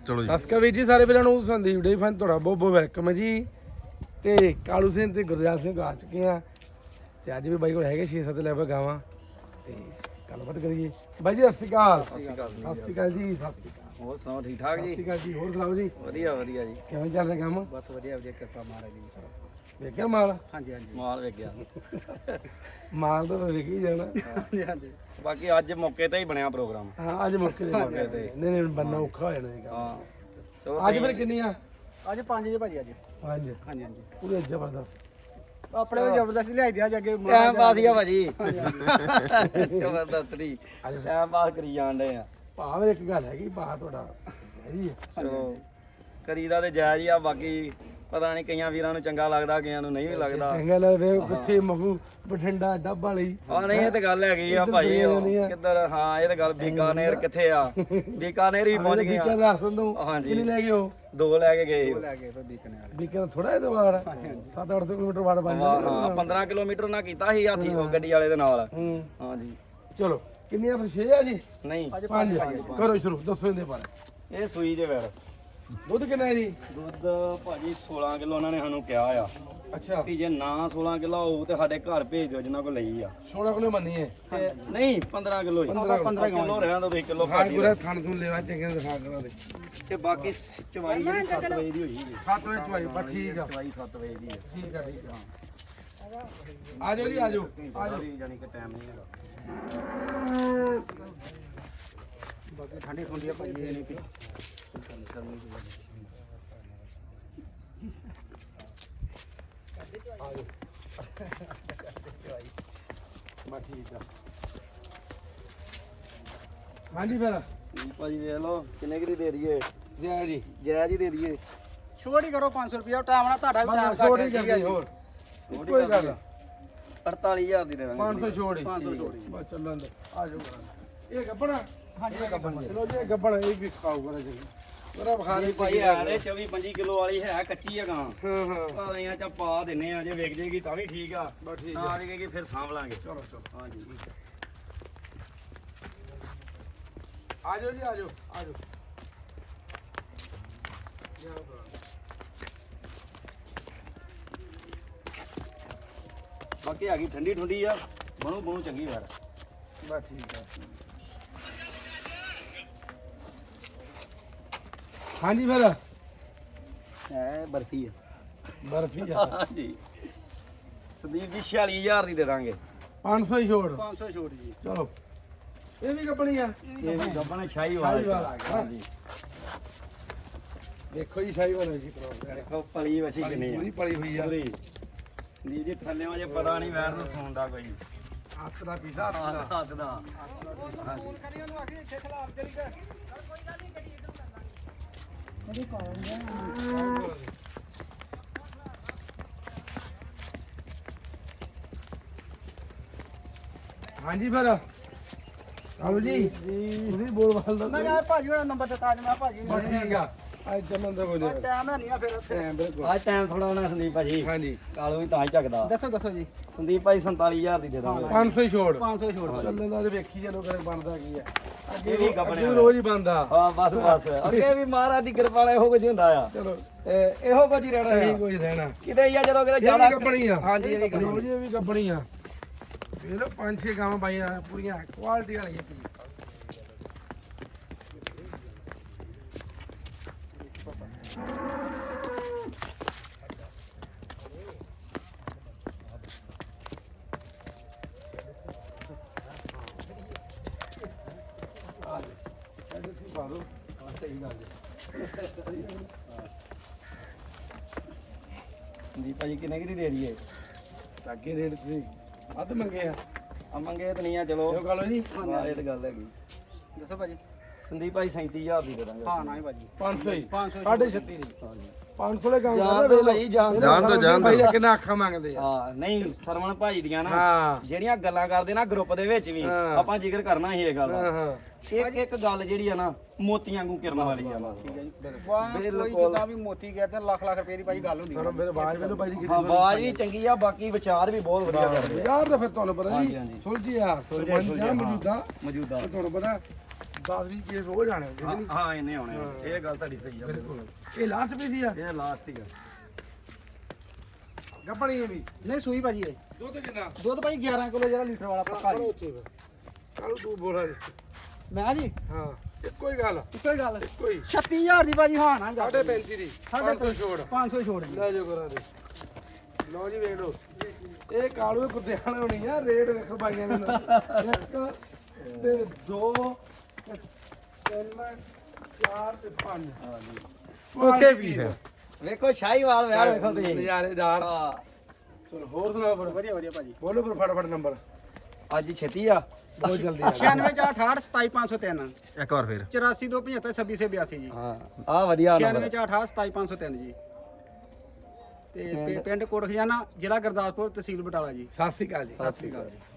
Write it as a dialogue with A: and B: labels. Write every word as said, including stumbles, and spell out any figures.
A: ਚਲੋ ਜੀ
B: ਸਤਿ ਸ਼੍ਰੀ ਅਕਾਲ ਵੀਰ ਜੀ ਸਾਰੇ ਵੀਰਾਂ ਨੂੰ ਸੰਦੀਪ ਡੇ ਫਨ ਤੁਹਾਡਾ ਬਹੁਤ ਬਹੁਤ ਵੈਲਕਮ ਹੈ ਜੀ। ਤੇ ਕਾਲੂ ਸਿੰਘ ਤੇ ਗੁਰਦਿਆਲ ਸਿੰਘ ਆ ਚੁੱਕੇ ਆ ਤੇ ਅੱਜ ਵੀ ਬਾਈ ਕੋਲ ਹੈਗੇ ਛੇ ਸੱਤ ਲੈਵਲ ਗਾਵਾਂ ਤੇ ਗੱਲਬਾਤ ਕਰੀਏ। ਬਾਈ ਜੀ ਸਤਿ ਸ਼੍ਰੀ ਅਕਾਲ।
C: ਸਤਿ ਸ਼੍ਰੀ ਅਕਾਲ
B: ਸਤਿ ਸ਼੍ਰੀ ਅਕਾਲ ਜੀ। ਸਤਿ ਸ਼੍ਰੀ ਅਕਾਲ।
C: ਹੋਰ ਸੁਣਾਓ ਠੀਕ ਠਾਕ
B: ਸਤਿ
C: ਜੀ?
B: ਸ਼੍ਰੀ ਅਕਾਲ ਜੀ। ਹੋਰ ਸੁਣਾਓ ਜੀ?
C: ਵਧੀਆ ਵਧੀਆ ਜੀ।
B: ਕਿਵੇਂ ਚੱਲ ਰਿਹਾ ਕੰਮ?
C: ਬਸ ਵਧੀਆ ਵਧੀਆ ਕਿਰਪਾ ਮਹਾਰਾਜ ਦੀ।
B: ਵੇਖਿਆ ਮਾਲ?
C: ਹਾਂਜੀ ਹਾਂਜੀ ਮਾਲ ਵੇਖ ਗਿਆ।
B: ਮਾਲ ਤਾਂ ਵੇਖ ਹੀ ਜਾਣਾ।
C: ਹਾਂਜੀ ਹਾਂਜੀ ਬਾਕੀ ਅੱਜ ਮੌਕੇ ਤੇ ਹੀ ਬਣਿਆ ਪ੍ਰੋਗਰਾਮ।
B: ਹਾਂ ਅੱਜ ਮੌਕੇ ਤੇ ਮੌਕੇ ਤੇ ਨਹੀਂ ਨਹੀਂ ਬੰਨਾ ਔਖਾ ਹੋ ਜਾਣਾ ਇਹ ਕੰਮ।
C: ਹਾਂ ਚਲੋ
B: ਅੱਜ ਫਿਰ ਕਿੰਨੀ ਆ?
C: ਅੱਜ ਪੰਜ ਜੇ ਭਾਜੀ ਅੱਜ।
B: ਪੰਜ।
C: ਹਾਂਜੀ ਹਾਂਜੀ
B: ਪੂਰੇ ਜ਼ਬਰਦਸਤ।
C: ਆਪਣੇ ਤੋਂ ਜ਼ਬਰਦਸਤ ਲਿਆਈ ਦਿਆ ਅੱਗੇ ਟਾਈਮ ਪਾਸ ਹੀ ਆ ਭਾਜੀ। ਜ਼ਬਰਦਸਤ ਨਹੀਂ ਟਾਈਮ ਪਾਸ ਕਰੀ ਜਾਂਦੇ ਆ।
B: ਭਾਵੇਂ ਇੱਕ ਗੱਲ ਹੈਗੀ ਭਾ ਤੁਹਾਡਾ ਹੈਗੀ ਹੈ।
C: ਚਲੋ ਕਰੀਦਾ ਤੇ ਜਾਇਜ਼ ਹੀ ਆ। ਬਾਕੀ ਪਤਾ ਨਹੀਂ ਕਈਆਂ ਵੀਰਾਂ ਨੂੰ ਚੰਗਾ ਲੱਗਦਾ ਕਈਆਂ ਨੂੰ ਨਹੀਂ ਵੀ ਲੱਗਦਾ।
B: ਚੰਗਾ ਲੱਗਦਾ ਕਿੱਥੇ ਮਖੂ ਬਠਿੰਡਾ ਡੱਬ ਵਾਲੀ।
C: ਹਾਂ ਨਹੀਂ ਇਹ ਤੇ ਗੱਲ ਹੈਗੀ ਆ ਭਾਈ। ਕਿੱਧਰ ਹਾਂ ਇਹ ਤੇ ਗੱਲ ਬੀਕਾਨੇਰ ਕਿੱਥੇ ਆ? ਬੀਕਾਨੇਰ ਵੀ ਪਹੁੰਚ ਗਏ
B: ਬੀਕਰ
C: ਆ।
B: ਰਾਸਨ ਤੋਂ
C: ਹਾਂਜੀ
B: ਕਿੰਨੀ ਲੈ ਗਏ ਉਹ?
C: ਦੋ ਲੈ ਕੇ ਗਏ।
B: ਲੈ ਕੇ ਫਿਰ ਬੀਕਰ ਬੀਕਰ ਥੋੜਾ ਜਿਹਾ ਵਾੜ ਸੱਤ ਅੱਠ ਕਿਲੋਮੀਟਰ ਵਾੜ ਬਣ ਜਾਂਦਾ।
C: ਹਾਂ ਪੰਦਰਾਂ ਕਿਲੋਮੀਟਰ ਨਾ ਕੀਤਾ ਸੀ ਹਾਥੀ ਉਹ ਗੱਡੀ ਵਾਲੇ ਦੇ ਨਾਲ।
B: ਹੂੰ
C: ਹਾਂਜੀ
B: ਚਲੋ ਕਿੰਨੀਆਂ ਫਿਰ ਛੇ ਆ ਜੀ?
C: ਨਹੀਂ
B: ਪੰਜ। ਕਰੋ ਸ਼ੁਰੂ ਦੱਸੋ ਇਹਦੇ ਬਾਰੇ।
C: ਇਹ ਸੂਈ ਜੇ ਵੈਰ
B: ਦੁੱਧ ਕਿੰਨਾ ਹੈ ਜੀ?
C: ਦੁੱਧ ਭਾਜੀ ਸੋਲਾਂ ਕਿਲੋ ਉਹਨਾਂ ਨੇ ਸਾਨੂੰ ਕਿਹਾ ਆ
B: ਅੱਛਾ
C: ਵੀ ਜੇ ਨਾ ਸੋਲਾਂ ਕਿਲੋ ਹੋਊ ਤੇ ਸਾਡੇ ਘਰ ਭੇਜ ਦਿਓ ਜਿੰਨਾ ਕੋ ਲਈ ਆ।
B: ਸੋਲਾਂ ਕਿਲੋ ਮੰਨੀ ਹੈ
C: ਤੇ ਨਹੀਂ ਪੰਦਰਾਂ ਕਿਲੋ ਪੰਦਰਾਂ ਕਿਲੋ ਰਹਿਣ ਦੋ ਇੱਕ ਕਿਲੋ
B: ਹਾਂ
C: ਘੱਟ ਹੀ
B: ਗੁਰਾ ਥਣ ਥੁਣ ਲੈਵਾ ਚੰਗੇ ਦਿਖਾ ਕਰਾਂ ਦੇ
C: ਤੇ ਬਾਕੀ ਚਵਾਈ ਜਿਹੜੀ ਸੱਤ ਵਜੇ ਦੀ ਹੋਈ ਜੀ।
B: ਸੱਤ ਵਜੇ ਚੁਆਈ ਬਸ ਠੀਕ ਆ।
C: ਚਵਾਈ ਸੱਤ ਵਜੇ ਦੀ ਹੈ।
B: ਠੀਕ ਆ ਠੀਕ ਆ ਆ ਜਾਓ ਜੀ ਆ ਜਾਓ ਆ ਜਾਓ।
C: ਜਾਨੀ ਕਿ ਟਾਈਮ ਨਹੀਂ ਹੈਗਾ। ਬਾਕੀ ਠੰਡੀ ਠੰਡੀ ਆ ਭਾਈ ਇਹ ਨਹੀਂ ਕਿ
B: ਬਸ ਠੀਕ ਆ। ਹਾਂਜੀ ਫਿਰ
C: ਭਾਜੀ ਵੇਖ ਲਓ ਕਿੰਨੇ ਕਿਰੀ ਦੇ ਦਈਏ?
B: ਜੈ ਜੀ
C: ਜਾਇਜ਼ ਹੀ ਦੇ ਦਈਏ। ਛੋਟ ਹੀ ਕਰੋ ਪੰਜ ਸੌ ਰੁਪਿਆ ਟਾਈਮ ਨਾਲ ਤੁਹਾਡਾ ਵੀ ਟਾਈਮ
B: ਛੋੜ ਹੀ ਜਾਂਦੀ ਹੋਰ ਕੋਈ ਗੱਲ
C: ਅੜਤਾਲੀ ਹਜ਼ਾਰ ਦੀ ਦੇ ਦਾਂਗੇ।
B: ਪੰਜ ਸੌ ਛੋੜ ਹੀ
C: ਪੰਜ ਸੌ ਛੋੜ ਹੀ।
B: ਬਸ ਚੱਲਣ ਦੇ ਆ ਜਾਓ ਇਹ ਗੱਬਣਾ। ਹਾਂਜੀ ਗੱਬਣ ਚਲੋ ਜੀ ਇਹ ਗੱਬਣ ਇਹ ਵੀ ਖਾਊਗਾ ਜੀ ਮੇਰਾ ਬੁਖਾਰ
C: ਨਹੀਂ ਭਾਈ ਯਾਰ ਇਹ ਚੌਵੀ ਪੰਜੀ ਕਿਲੋ ਵਾਲੀ ਹੈ ਕੱਚੀ ਹੈ ਗਾਂ।
B: ਹਾਂ ਹਾਂ
C: ਪਾਲੀਆਂ ਚ ਪਾ ਦਿੰਨੇ ਆ ਜੇ ਵਿਕ ਜੇਗੀ ਤਾਂ ਵੀ ਠੀਕ ਆ।
B: ਬਸ ਠੀਕ
C: ਨਾ ਵਿਕੇਗੀ ਫਿਰ ਸਾਂਭ ਲਾਂਗੇ।
B: ਚਲੋ ਚਲੋ
C: ਹਾਂਜੀ
B: ਆ ਜਾਓ ਜੀ ਆ ਜਾਓ ਆ ਜਾਓ।
C: ਬਾਕੀ ਆ ਗਈ ਠੰਡੀ ਠੰਡੀ ਆ ਬਣੂ ਬਣੂ ਚੰਗੀ ਯਾਰ।
B: ਬਸ ਠੀਕ ਆ। ਹਾਂਜੀ ਫਿਰ
C: ਹੈ ਬਰਫੀ ਆ।
B: ਬਰਫੀ ਆ
C: ਹਾਂਜੀ ਸੰਦੀਪ ਜੀ ਛਿਆਲੀ ਹਜ਼ਾਰ ਦੀ ਦੇ ਦਾਂਗੇ।
B: ਪੰਜ ਸੌ ਹੀ ਛੋੜ।
C: ਪੰਜ ਸੌ ਛੋੜ ਜੀ।
B: ਚਲੋ ਇਹ ਵੀ ਕੱਪਣੀ ਆ।
C: ਇਹ ਵੀ ਗੱਬਣ ਸ਼ਾਹੀ
B: ਸ਼ਾਹੀਵਾਲ
C: ਵਾਲਾ
B: ਆ ਗਿਆ।
C: ਹਾਂਜੀ
B: ਦੇਖੋ ਜੀ ਸ਼ਾਹੀ ਵਾਲਾ ਜੀ ਪ੍ਰੋਗਰਾਮ
C: ਦੇਖੋ ਪਲੀ ਵਸੀ ਕਿੰਨੀ
B: ਪੂਰੀ
C: ਆ।
B: ਪਲੀ ਹੋਈ ਆ।
C: ਪੂਰੀ ਸੰਦੀਪ ਜੀ ਥੱਲਿਓਂ ਜੇ ਪਤਾ ਨਹੀਂ ਵੈਰ ਨੂੰ ਸੌਣ ਦਾ ਕੋਈ।
B: ਹੱਥ ਦਾ ਪੀਸਾ ਹੱਥ ਦਾ
C: ਹੱਥ ਦਾ
B: ਹਾਂਜੀ ਫਿਰ ਆਓ ਜੀ ਤੁਸੀਂ ਬੋਲ ਬਾਲ ਦਾ
C: ਮੈਂ ਯਾਰ ਭਾਜੀ ਦਾ ਨੰਬਰ ਦਿੱਤਾ ਅੱਜ ਮੈਂ ਭਾਜੀ
B: ਬਸ ਠੀਕ ਆ ਅੱਜ ਚੱਲਣ ਦਾ ਕੋਈ ਨਹੀਂ
C: ਟਾਈਮ ਹੈ ਨਹੀਂ ਆ ਫਿਰ
B: ਟਾਈਮ ਬਿਲਕੁਲ
C: ਅੱਜ ਟਾਈਮ ਥੋੜਾ ਹੋਣਾ ਸੰਦੀਪ ਭਾਜੀ।
B: ਹਾਂਜੀ
C: ਕਾਲੋ ਵੀ ਤਾਂ ਹੀ ਝਕਦਾ।
D: ਦੱਸੋ ਦੱਸੋ ਜੀ।
C: ਸੰਦੀਪ ਭਾਈ ਸੰਤਾਲੀ ਹਜ਼ਾਰ ਦੀ ਦੇ ਦਾਂਗੇ।
B: ਪੰਜ ਸੌ ਹੀ ਛੋੜ।
D: ਪੰਜ ਸੌ ਛੋੜ।
B: ਚੱਲਣ ਦਾ ਤੇ ਵੇਖੀ ਚਲੋ ਕਰੇ ਬਣਦਾ ਕੀ ਆ। ਅੱਗੇ
C: ਇਹ ਵੀ
B: ਵੀ
C: ਕੱਪੜੇ
B: ਅੱਗੇ ਰੋਜ਼ ਹੀ ਬਣਦਾ।
C: ਹਾਂ ਬਸ ਬਸ ਅੱਗੇ ਵੀ ਮਹਾਰਾਜ ਦੀ ਕਿਰਪਾ ਨਾਲ ਇਹੋ ਕੁਝ ਹੁੰਦਾ ਆ।
B: ਚਲੋ
C: ਤੇ ਇਹੋ ਕੁਝ ਹੀ ਰਹਿਣਾ
B: ਇਹੀ
C: ਆ।
B: ਕੁਝ ਰਹਿਣਾ।
C: ਕਿਤੇ ਹੀ ਆ ਜਦੋਂ ਕਿਤੇ
B: ਜਿਆਦਾ
C: ਜ਼ਿਆਦਾ
B: ਕੱਪਣੀ ਆ।
C: ਹਾਂਜੀ ਇਹ ਵੀ
B: ਰੋਜ਼ ਇਹ ਵੀ ਕੱਪਣੀ ਆ। ਵੇਖ ਲਓ ਪੰਜ ਛੇ ਗਾਵਾਂ ਪਾਈਆਂ ਪੂਰੀਆਂ ਕੁਆਲਿਟੀ ਵਾਲੀਆਂ ਪਈ।
C: ਸੰਦੀਪ ਭਾਜੀ ਕਿੰਨੇ ਕੀ ਦੇ ਦਈਏ?
B: ਅੱਗੇ ਰੇਟ ਤੁਸੀਂ ਵੱਧ ਮੰਗੇ ਆ
C: ਆ ਮੰਗੇ ਤੇ ਨਹੀਂ ਆ ਚਲੋ।
B: ਇਹ ਗੱਲ ਜੀ
C: ਹਾਂ ਇਹ ਤਾਂ ਗੱਲ ਹੈਗੀ।
D: ਦੱਸੋ ਭਾਜੀ।
C: ਸੰਦੀਪ ਭਾਈ ਸੈਂਤੀ ਹਜ਼ਾਰ ਦੀ ਦੇ ਦਾਂਗੇ।
D: ਹਾਂ ਨਾ ਹੀ ਭਾਜੀ।
B: ਪੰਜ ਸੌ ਹੀ
D: ਪੰਜ ਸੌ
B: ਸਾਢੇ ਛੱਤੀ ਦੀ ਪੰਜ ਸੌ ਦੇ ਕੰਮ
C: ਜਾਣ ਦੋ ਭਾਈ ਜਾਣ ਦਿਓ।
A: ਜਾਣ ਦੋ ਜਾਣ
B: ਭਾਈ
A: ਦੋ
B: ਕਿੰਨਾ ਅੱਖਾਂ ਮੰਗਦੇ ਆ।
C: ਹਾਂ ਨਹੀਂ ਸਰਵਣ ਭਾਈ ਦੀਆਂ ਨਾ
B: ਹਾਂ
C: ਜਿਹੜੀਆਂ ਗੱਲਾਂ ਕਰਦੇ ਨਾ ਗਰੁੱਪ ਦੇ ਵਿੱਚ ਵੀ
B: ਹਾਂ।
C: ਆਪਾਂ ਜ਼ਿਕਰ ਕਰਨਾ ਸੀ ਇਹ ਗੱਲ
B: ਹਾਂ
C: ਦਾ।
B: ਹਾਂ
C: ਇੱਕ ਇੱਕ ਗੱਲ ਜਿਹੜੀ ਆ ਨਾ ਮੋਤੀਆਂ ਵਾਂਗੂ ਕਿਰਨ ਵਾਲੀ ਆ ਬਸ।
D: ਵਾਹ ਕੋਈ ਜਿੱਦਾਂ ਵੀ ਮੋਤੀ ਗਿਆ ਤੇ ਲੱਖ ਲੱਖ ਰੁਪਏ ਦੀ ਭਾਜੀ ਗੱਲ ਹੁੰਦੀ।
B: ਚਲੋ ਮੇਰੇ ਆਵਾਜ਼ ਮੈਨੂੰ ਭਾਈ ਜੀ
C: ਹਾਂ ਆਵਾਜ਼ ਵੀ ਚੰਗੀ ਆ ਬਾਕੀ ਵਿਚਾਰ ਵੀ ਬਹੁਤ ਵਧੀਆ ਕਰਦੇ ਆ।
B: ਯਾਰ ਤਾਂ ਫਿਰ ਤੁਹਾਨੂੰ ਪਤਾ
C: ਹਾਂਜੀ,
B: ਜੀ
C: ਹਾਂਜੀ।
B: ਸੁਲਝਿਆ ਸਰਪੰਚ ਆ ਮੌਜੂਦਾ
C: ਮੌਜੂਦਾ
B: ਤੇ ਤੁਹਾਨੂੰ ਪਤਾ ਦਸ ਵੀਹ ਕੇਸ ਰੋਜ਼ ਆਣੇ ਹੁੰਦੇ
C: ਹਾਂ
B: ਨੇ
C: ਹਾਂ ਇਹਨੇ ਆਉਣੇ ਆ। ਇਹ ਗੱਲ ਤੁਹਾਡੀ ਸਹੀ ਆ
B: ਬਿਲਕੁਲ ਇਹ ਲਾਸਟ ਪੀਸ ਹੀ ਆ
C: ਇਹ ਲਾਸਟ ਹੀ ਆ
B: ਗੱਪਣੀ ਇਹ ਵੀ
D: ਨਹੀਂ ਸੂਈ ਭਾਜੀ ਇਹ
B: ਦੁੱਧ ਕਿੰਨਾ
D: ਦੁੱਧ ਭਾਈ ਗਿਆਰਾਂ ਕਿਲੋ ਜਿਹੜਾ ਲੀਟਰ ਵਾਲਾ ਪੱਕਾ ਜੀ
B: ਉੱਚੇ ਕਾਲੂ ਤੂੰ ਬੋਲਾ ਦੇ
D: ਮੈਂ ਜੀ
B: ਹਾਂ ਇੱਕੋ ਹੀ ਗੱਲ
D: ਇੱਕੋ ਹੀ ਗੱਲ
B: ਇੱਕੋ ਹੀ
D: ਛੱਤੀ ਹਜ਼ਾਰ ਦੀ ਭਾਜੀ ਹਾਂ ਨਾ
B: ਸਾਢੇ ਪੈਂਤੀ ਦੀ
D: ਸਾਢੇ
B: ਸਾਢੇ ਛੋੜ
D: ਪੰਜ ਸੌ ਛੋੜ ਜੀ
B: ਲੈ ਜਾਓ ਕਰਾਂ ਦੇ ਲਓ ਜੀ ਵੇਖ ਲਓ ਇਹ ਕਾਲੂ ਕੁੱਤੇ ਵਾਲੇ ਹੋਣੀ ਆ ਰੇਟ ਵੇਖੋ ਬਾਈਆਂ ਦੇ ਨਾਲ। ਇੱਕ ਤੇ ਦੋ ਤੇ ਤਿੰਨ ਚਾਰ ਤੇ ਪੰਜ
A: ਓਕੇ ਪੀਸ
C: ਵੇਖੋ ਸ਼ਾਹੀਵਾਲ ਵੈੜ ਵੇਖੋ ਤੁਸੀਂ
B: ਨਜ਼ਾਰੇਦਾਰ
C: ਹਾਂ
B: ਚਲੋ ਹੋਰ ਸੁਣਾਓ ਫਿਰ
D: ਵਧੀਆ ਵਧੀਆ ਭਾਜੀ
B: ਬੋਲੋ ਫਿਰ ਫਟਾਫਟ ਨੰਬਰ
C: ਅੱਜ ਹੀ ਛੇਤੀ ਆ
B: ਬਹੁਤ ਜਲਦੀ ਆ
D: ਛਿਆਨਵੇਂ ਚਾਰ ਅਠਾਹਠ ਸਤਾਈ ਪੰਜ ਸੌ ਤਿੰਨ
A: ਇੱਕ ਵਾਰ ਫੇਰ
D: ਚੁਰਾਸੀ ਦੋ ਪਝੱਤਰ ਛੱਬੀ ਸੌ ਬਿਆਸੀ ਜੀ
C: ਹਾਂ ਆ ਵਧੀਆ
D: ਛਿਆਨਵੇਂ
C: ਨੰਬਰ
D: ਚਾਰ ਅਠਾਹਠ ਸਤਾਈ ਪੰਜ ਸੌ ਤਿੰਨ ਜੀ ਤੇ ਪਿੰ- ਪਿੰਡ ਕੋਟ ਖਜ਼ਾਨਾ ਜ਼ਿਲ੍ਹਾ ਗੁਰਦਾਸਪੁਰ ਤਹਿਸੀਲ ਬਟਾਲਾ ਜੀ
B: ਸਤਿ ਸ਼੍ਰੀ ਅਕਾਲ ਜੀ
C: ਸਤਿ ਸ੍ਰੀ ਅਕਾਲ ਜੀ